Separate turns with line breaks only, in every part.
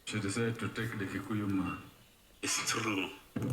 She decided to take the Kikuyu man.
It's true.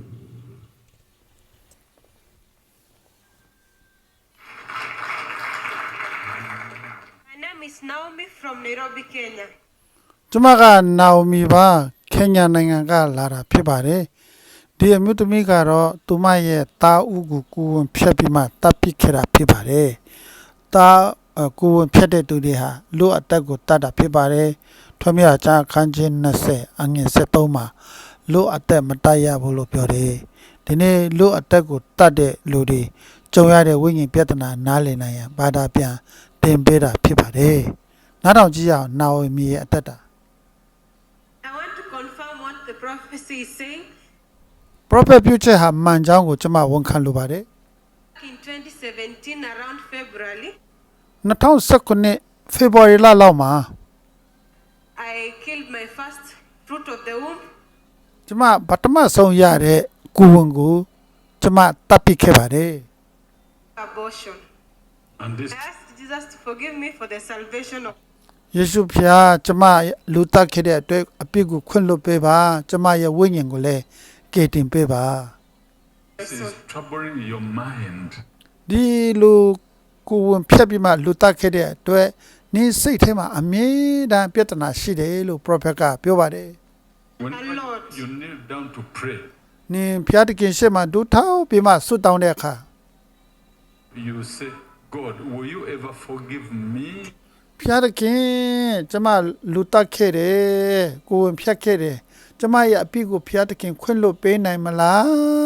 My name is Naomi from Nairobi, Kenya.
ကျမကနာအိုမီပါခင်ညာနိုင်ငံကလာတာဖြစ်ပါတယ်ဒီအမျိုးသမီးကတော့သူမရဲ့တာဥကိုကိုယ်ဝင်ဖြတ်ပြီးမှတပ်ပစ်ခဲ့တာဖြစ်ပါတယ်တာကိုယ်ဝင်ဖြတ်တဲ့သူတွေဟာလူအတက်ကိုတတ်တာဖြစ်ပါတယ်ထွမြေချာခန်းချင်း20အငယ်73မှာလူအတက်မတတ်ရဘူးလို့ပြောတယ်ဒီနေ့လူအတက်ကိုတတ်တဲ့လူတွေကြုံရတဲ့ဝိညာဉ်ပြဿနာနားလည်နိုင်ရန်ဘာသာပြန်တင်ပေးတာဖြစ်ပါတယ်နားထောင်ကြည့်ရအောင်နာအိုမီရဲ့အတက်တာ
I want to confirm what the prophecy is saying.
prophet ပြုချက်ဟာမှန်ကြောင်းကိုကျွန်မဝန်ခံလိုပါတယ်
In 2017, around February,
2019 February လလောက်မှာ
I killed my first fruit of the womb.
ကျွန်မပထမဆုံးရတဲ့ကိုယ်ဝန်ကိုကျွန်မတပ်ပစ်ခဲ့ပါတယ်
Abortion.
And this
I asked Jesus to forgive me for the salvation of
ယေရှုဖျားကျွန်မလူတက်ခဲ့တဲ့အတွက်အပြစ်ကိုခွင့်လွှတ်ပေးပါကျွန်မရဲ့ဝိညာဉ်ကိုလည်းကယ်တင်ပေးပါ
my
is
soul.
troubling your mind.
ဒီလူကိုယ်ဝန်ဖြတ်ပြီးမှလူတက်ခဲ့တဲ့အတွက်နင်းစိတ်ထဲမှာအမြဲတမ်းပြဿနာရှိတယ်လို့ prophet ကပြောပါတယ်
Whenever
Lord.
you kneel down to pray,
နင်းဖျားတခင်ရှေ့မှာဒုထောက်ပြီးမှဆွတ်တောင်းတဲ့အခါ
you say, God, will you ever forgive me?
ဖျားတခင်ကျွန်မလူတက်ခဲ့တယ်ကိုယ်ဝင်ဖြတ်ခဲ့တယ်ကျွန်မရဲ့အပြစ်ကိုဖျားတခင်ခွင့်လွှတ်ပေးနိုင်မလား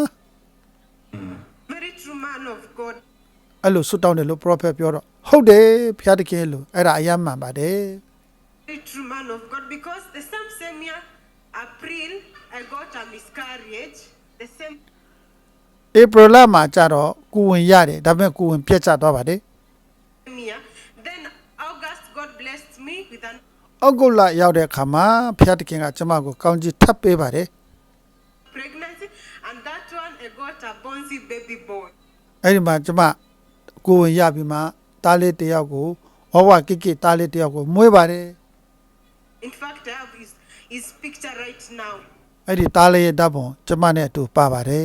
Very true man of God.
အဲ့လိုဆွတ်တောင်းတယ်လို့ prophet ပြောတော့ဟုတ်တယ်ဖျားတခင်လို့အဲ့ဒါအယမ်းမှန်ပါတယ်
Very true man of God. Because the same year, April, I got a miscarriage. The same
April လမှာကျတော့ကိုယ်ဝင်ရတယ်ဒါပေမဲ့ကိုယ်ဝင်ပြတ်ကျသွားပါတယ်
year. Then August, God blessed me with an
အောက်ဂုတ်လရောက်တဲ့အခါမှာဖျားတခင်ကကျွန်မကိုကောင်းကြီးထပ်ပေးပါတယ်
pregnancy. And that one, I got a bouncy baby boy.
အဲ့ဒီမှာကျွန်မကိုယ်ဝင်ရပြီးမှတားလေးတစ်ယောက်ကိုဝဝကိကိတားလေးတစ်ယောက်ကိုမွေးပါတယ်
In fact, I have his picture right now.
အဲ့ဒီတားလေးရဲ့ဓာတ်ပုံကျွန်မနဲ့အတူပါပါတယ်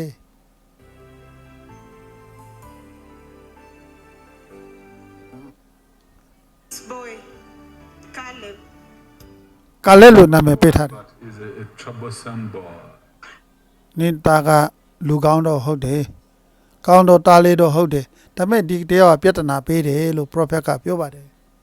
This boy, Caleb.
ကာလက်လိုနာမည်ပေးထားတယ်
But is a troublesome boy.
နင်းသားကလူကောင်းတော့ဟုတ်တယ်ကောင်းတော့တားလေးတော့ဟုတ်တယ်ဒါပေမဲ့ဒီတယောက်ကပြဿနာပေးတယ်လို့ prophet ကပြောပါတယ်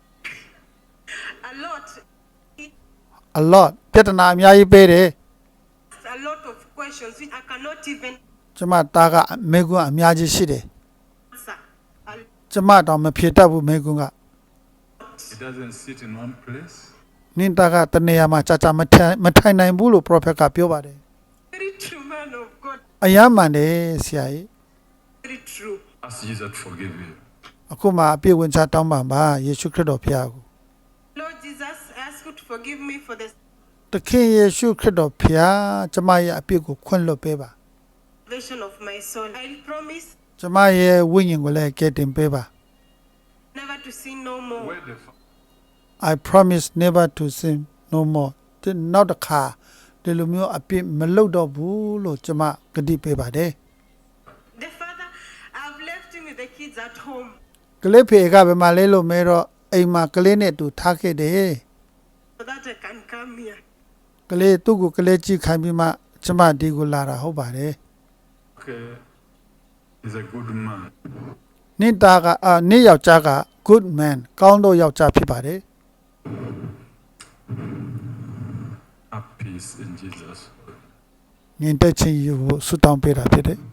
A lot.
a lot ပြဿနာအများကြီးပေးတယ်
A lot of questions which I cannot even
ကျွန်မသားကမေကွန်းအများကြီးရှိတယ်
answer. A
ကျွန်မတော့မဖြေတတ်ဘူးမေကွန်းက
He doesn't sit in one place.
နင်းသားကတနေရာမှာကြာကြာမထိုင်နိုင်ဘူးလို့ prophet ကပြောပါတယ်
very true man of God.
အယမ်းမှန်တယ်ဆရာကြီး
Very true.
Ask Jesus to forgive you.
အခုမှအပြည့်ဝင်ချတောင်းပန်ပါယေရှုခရစ်တော်ဖျားကို
Lord Jesus, I ask you to forgive me for the
တခင်ယေရှုခရစ်တော်ဖျားကျွန်မရဲ့အပြစ်ကိုခွင့်လွှတ်ပေးပါ
salvation of my soul. I promise
ကျွန်မရဲ့ဝိညာဉ်ကိုလည်းကယ်တင်ပေးပါ
never to sin no more.
Where the
I promise never to sin no more ဒီနောက်တစ်ခါဒီလိုမျိုးအပြစ်မလုပ်တော့ဘူးလို့ကျွန်မကတိပေးပါတယ်
The father, I've left him with the kids at home
ကလေးဖေကဘယ်မှာလဲလို့မဲတော့အိမ်မှာကလေးနဲ့တူထားခဲ့တယ်
so that I can come here.
ကလေးသူ့ကိုကလေးကြည့်ခိုင်းပြီးမှကျွန်မဒီကိုလာတာဟုတ်ပါတယ်
okay is a good man.
နင့်သားကနင့်ယောက်ျားက good man ကောင်းတော့ယောက်ျားဖြစ်ပါတယ်
Have peace in Jesus.
ငင်တက်ချင်းယူဖို့ဆုတောင်းပေးတာဖြစ်တယ်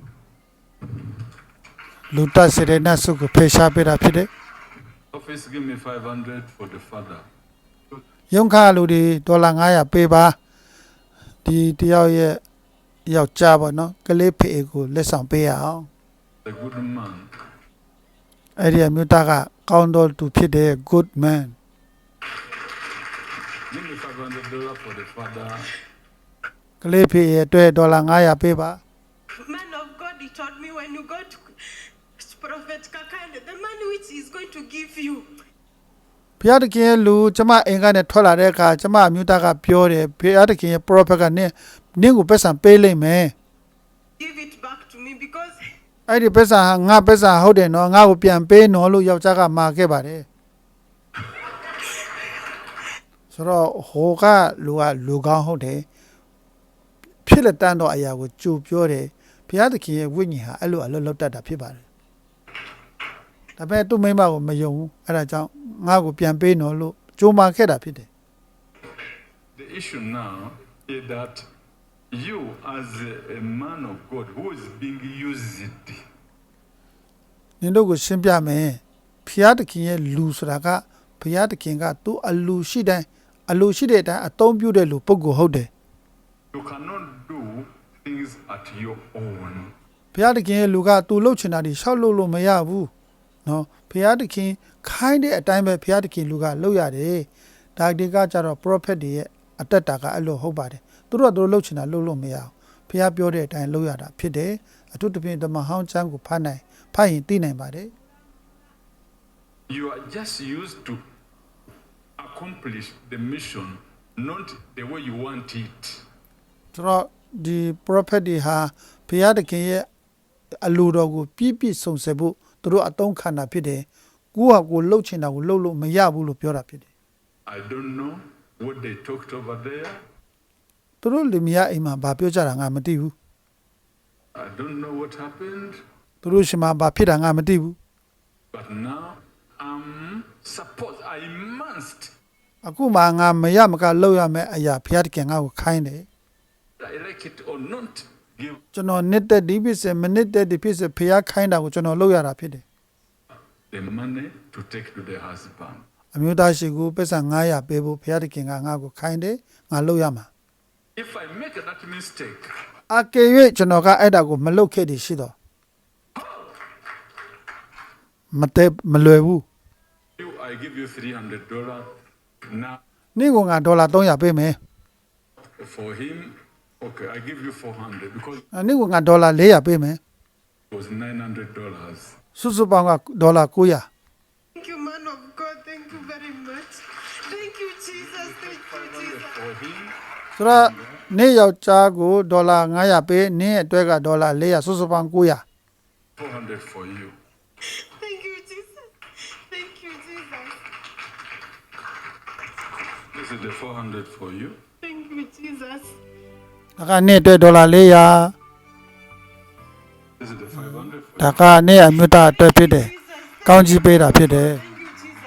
လူတတ်စေတဲ့နတ်ဆုကိုဖေရှားပေးတာဖြစ်တယ်
Office, give me 500 for the father.
ရုံးခါလူတွေဒေါ်လာ900ပေးပါဒီတယောက်ရဲ့ယောက်ျားပေါ့နော်ကလေးဖေကိုလက်ဆောင်ပေးရအောင်
The good man.
အဲ့ဒီအမျိုးသားကကောင်းတော်သူဖြစ်တဲ့ good man
Give me $500 for the father.
ကလေးဖေရဲ့အတွက်ဒေါ်လာ900ပေးပါ
Man of God, he told me when you go to Prophet Kakande, the money which he's going to give you,
ဘုရားသခင်ရဲ့လူကျမအိမ်ကနေထွက်လာတဲ့အခါကျမအမျိုးသားကပြောတယ်ဘုရားသခင်ရဲ့ prophet ကနင်းကိုပတ်စံပေးလိုက်မယ်
Give it back to me because
အဲ့ဒီပတ်စံဟာငါပတ်စံဟုတ်တယ်နော်ငါ့ကိုပြန်ပေးနော်လို့ယောက်ျားကမှာခဲ့ပါတယ်ဆိုတော့ဟိုကလူကောင်းဟုတ်တယ်ဖြစ်လက်တန်းတော့အရာကိုကြိုပြောတယ်ဘုရားသခင်ရဲ့ဝိညာဉ်ဟာအဲ့လိုအလုပ်လုပ်တတ်တာဖြစ်ပါတယ်ဒါပေမဲ့သူ့မိမကိုမယုံဘူးအဲ့ဒါကြောင့်ငါ့ကိုပြန်ပေးနော်လို့ကြိုးမာခဲ့တာဖြစ်တယ်
The issue now is that you, as a man of God who is being used,
နင်တို့ကိုရှင်းပြမယ်ဘုရားသခင်ရဲ့လူဆိုတာကဘုရားသခင်ကသူ့အလူရှိတဲ့အတိုင်းအသုံးပြုတဲ့လူပုဂ္ဂိုလ်ဟုတ်တယ်
you cannot do things at your own.
ဘုရားသခင်ရဲ့လူကသူလှုပ်ချင်တာတွေရှောက်လို့မရဘူးနော်ဘုရားသခင်ခိုင်းတဲ့အတိုင်းပဲဘုရားသခင်လူကလှုပ်ရတယ်ဒါဒီကကြတော့ prophet တွေရဲ့အတက်တာကအဲ့လိုဟုတ်ပါတယ်သူတို့ကသူလှုပ်ချင်တာလှုပ်လို့မရဘူးဘုရားပြောတဲ့အတိုင်းလှုပ်ရတာဖြစ်တယ်အထူးသဖြင့်ဓမ္မဟောင်းကျမ်းကိုဖတ်ရင်သိနိုင်ပါတယ်
You are just used to accomplish the mission, not the way you want it.
ဆိုတော့ဒီ prophet တွေဟာဘုရားသခင်ရဲ့အလိုတော်ကိုပြည့်ပြည့်စုံစပ်ဖို့သူတို့အသုံးခံတာဖြစ်တယ်ကိုယ့်ဟာကိုယ်လှုပ်ချင်တာကိုလှုပ်လို့မရဘူးလို့ပြောတာဖြစ်တယ်
I don't know what they talked over there.
သူတို့လင်မယားအိမ်မှာဘာပြောကြတာငါမသိဘူး
I don't know what happened.
သူတို့ရှင်မှာဘာဖြစ်တာငါမသိဘူး
But now I must.
အခုမှငါမရမကလှုပ်ရမယ်အရာဘုရားသခင်ငါ့ကိုခိုင်းတယ်
I like it or not. Give
ကျွန်တော်နှစ်သက်ဒီဖြစ်စေမနှစ်သက်ဒီဖြစ်စေဘုရားခိုင်းတာကိုကျွန်တော်လုပ်ရတာဖြစ်တယ်
the money to take to the husband.
အမျိုးသားရှိကိုပတ်စံ900ပေးဖို့ဘုရားသခင်ကငါ့ကိုခိုင်းတယ်ငါလုပ်ရမှာ
If I make that mistake,
အကယ်၍ကျွန်တော်ကအဲ့ဒါကိုမလုပ်ခဲ့တည်ရှိတော့မလွယ်ဘူး
I give you $300 now
နေ့ကငါဒေါ်လာ300ပေးမယ်
for him. Okay, I give you $400 because
နေ့ကငါဒေါ်လာ400ပေးမယ်
it was $900.
စုစုပေါင်းကဒေါ်လာ900
thank you, man of God. Thank you very much. Thank you, Jesus. Thank you, Jesus.
For him,
ဆိုတော့နေ့ယောက်ျားကိုဒေါ်လာ900ပေးနေ့အတွက်ကဒေါ်လာ400စုစုပေါင်း900
$400 for you.
Thank you, Jesus. Thank you, Jesus.
This is the $400 for you.
Thank you, Jesus.
ဒါကနေ့အတွက်ဒေါ်လာ400
This is the $500 for
ဒါကနေ့အမျိုးသားအတွက်ဖြစ်တယ်ကောင်းကြီးပေးတာဖြစ်တယ်
Thank you, Jesus.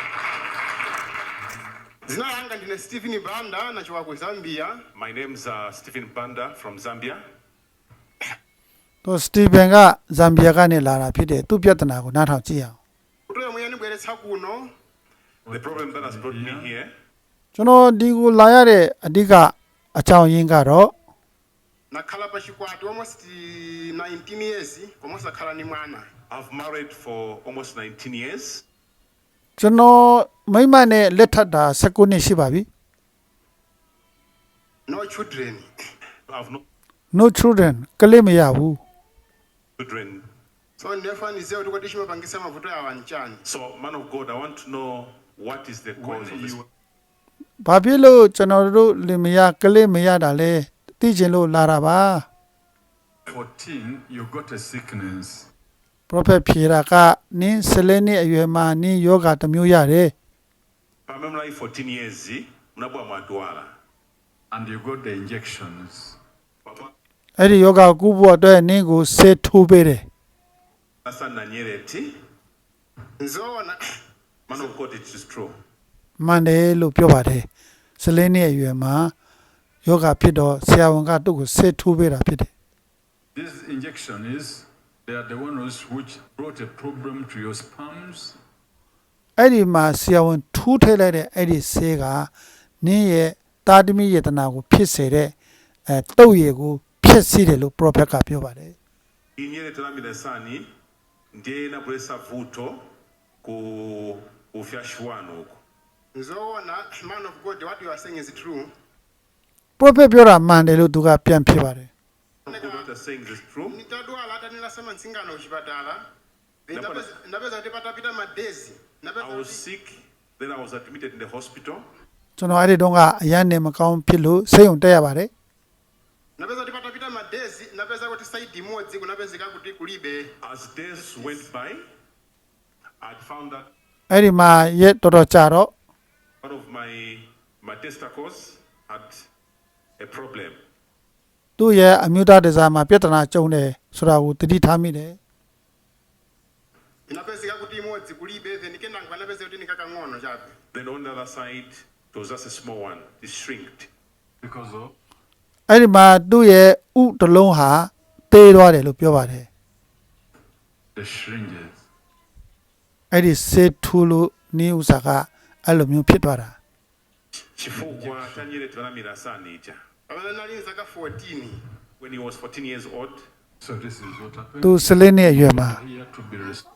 Zina langa ndine Stephen Banda nachoka ku Zambia.
My name's Stephen Banda from Zambia.
သူစတီဗန်ကဇမ်ဘီယာကနေလာတာဖြစ်တယ်သူပြဿနာကိုနားထောင်ကြည့်အောင်
Kutoya muyani bweretsa kuno.
The problem that has brought me here,
ကျွန်တော်ဒီကိုလာရတဲ့အဓိကအကြောင်းရင်းကတော့
Nakhala pa chikwati almost 19 years almost nakhala ni mwana.
I've married for almost 19 years.
ကျွန်တော်မိမနဲ့လက်ထပ်တာ19နှစ်ရှိပါပြီ
No children.
I've no
no children ကလေးမရဘူး
children.
So ndefanize kuti kodi chimapangisa mavuto ya wanchani.
So, man of God, I want to know what is the cause of this.
ဘာဖြစ်လို့ကျွန်တော်တို့လင်မယားကလေးမရတာလဲသိချင်လို့လာတာပါ
14, you got a sickness.
prophet ဖြေတာကနင်း17နှစ်အရွယ်မှာနင်းယောဂတစ်မျိုးရတယ်
I remember 14 years, mnabwa mwadwala.
And you got the injections.
အဲ့ဒီယောဂကိုကုဖို့အတွက်နင်းကိုဆေးထိုးပေးတယ်
Asa nanyereti.
Nzona
Man of God, it is true.
မှန်တယ်လို့ပြောပါတယ်17နှစ်အရွယ်မှာယောဂဖြစ်တော့ဆရာဝန်ကသူ့ကိုဆေးထိုးပေးတာဖြစ်တယ်
These injections, they are the ones which brought a problem to your sperms.
အဲ့ဒီမှာဆရာဝန်ထိုးထည့်လိုက်တဲ့အဲ့ဒီဆေးကနင်းရဲ့တာသမီယေတနာကိုဖြစ်စေတဲ့တုပ်ရည်ကိုဖြစ်စီတယ်လို့ prophet ကပြောပါတယ်
Inyereti la midasani ndiye inabulesa vuto ku fyashwano uko.
nzona man of God what you are saying is true.
prophet ပြောတာမှန်တယ်လို့သူကပြန်ဖြစ်ပါတယ်
What you're saying is true.
Nitadwala hata nilasema nsingano kuchipatala. Ndapeza ndipata pita madezi.
I was sick Then I was admitted in the hospital.
ကျွန်တော်အဲ့ဒီတုန်းကအရန်နေမကောင်းဖြစ်လို့ဆေးရုံတက်ရပါတယ်
napeza kuti patapita madezi napeza kuti side imodzi kunapezeka kuti kulibe
As days went by, I found that
အဲ့ဒီမှာရက်တော်တော်ကြာတော့
one of my testicles had a problem.
သူ့ရဲ့အမျိုးသားဒဇာမှာပြဿနာကြုံတယ်ဆိုတာကိုသတိထားမိတယ်
inapezeka kuti imodzi kulibe then kendangu anapeza kuti nikakang'ono chabe
Then on the other side, it was just a small one. It shrinked.
Because of
အဲ့ဒီမှာသူ့ရဲ့ဥတစ်လုံးဟာသေးသွားတယ်လို့ပြောပါတယ်
the shringes.
အဲ့ဒီဆေးထူလို့နေဥစားကအဲ့လိုမျိုးဖြစ်သွားတာ
Chifukwa chanyiretwa Ramira Sanija.
pamene nali zaka 14
When he was 14 years old,
So this is what happened.
သူ14နှစ်အရွယ်မှာ
Here to be restored.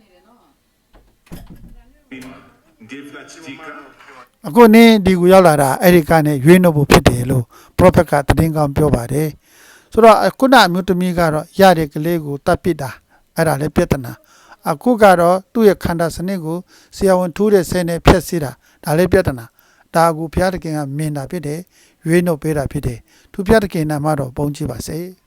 Ndivna Chitika,
အခုနင်းဒီကိုရောက်လာတာအဲ့ဒီကနေရွေးနှုတ်ဖို့ဖြစ်တယ်လို့ prophet ကသတင်းကောင်းပြောပါတယ်ဆိုတော့ခုနအမျိုးသမီးကတော့ရတဲ့ကလေးကိုတတ်ပစ်တာအဲ့ဒါလည်းပြဿနာအခုကတော့သူ့ရဲ့ခန္ဓာစနစ်ကိုဆရာဝန်ထိုးတဲ့ဆဲနဲ့ဖျက်ဆီးတာဒါလည်းပြဿနာဒါကိုဘုရားသခင်ကမြင်တာဖြစ်တယ်ရွေးနှုတ်ပေးတာဖြစ်တယ်သူဘုရားသခင်နာမတော်ပုံကြည့်ပါစေ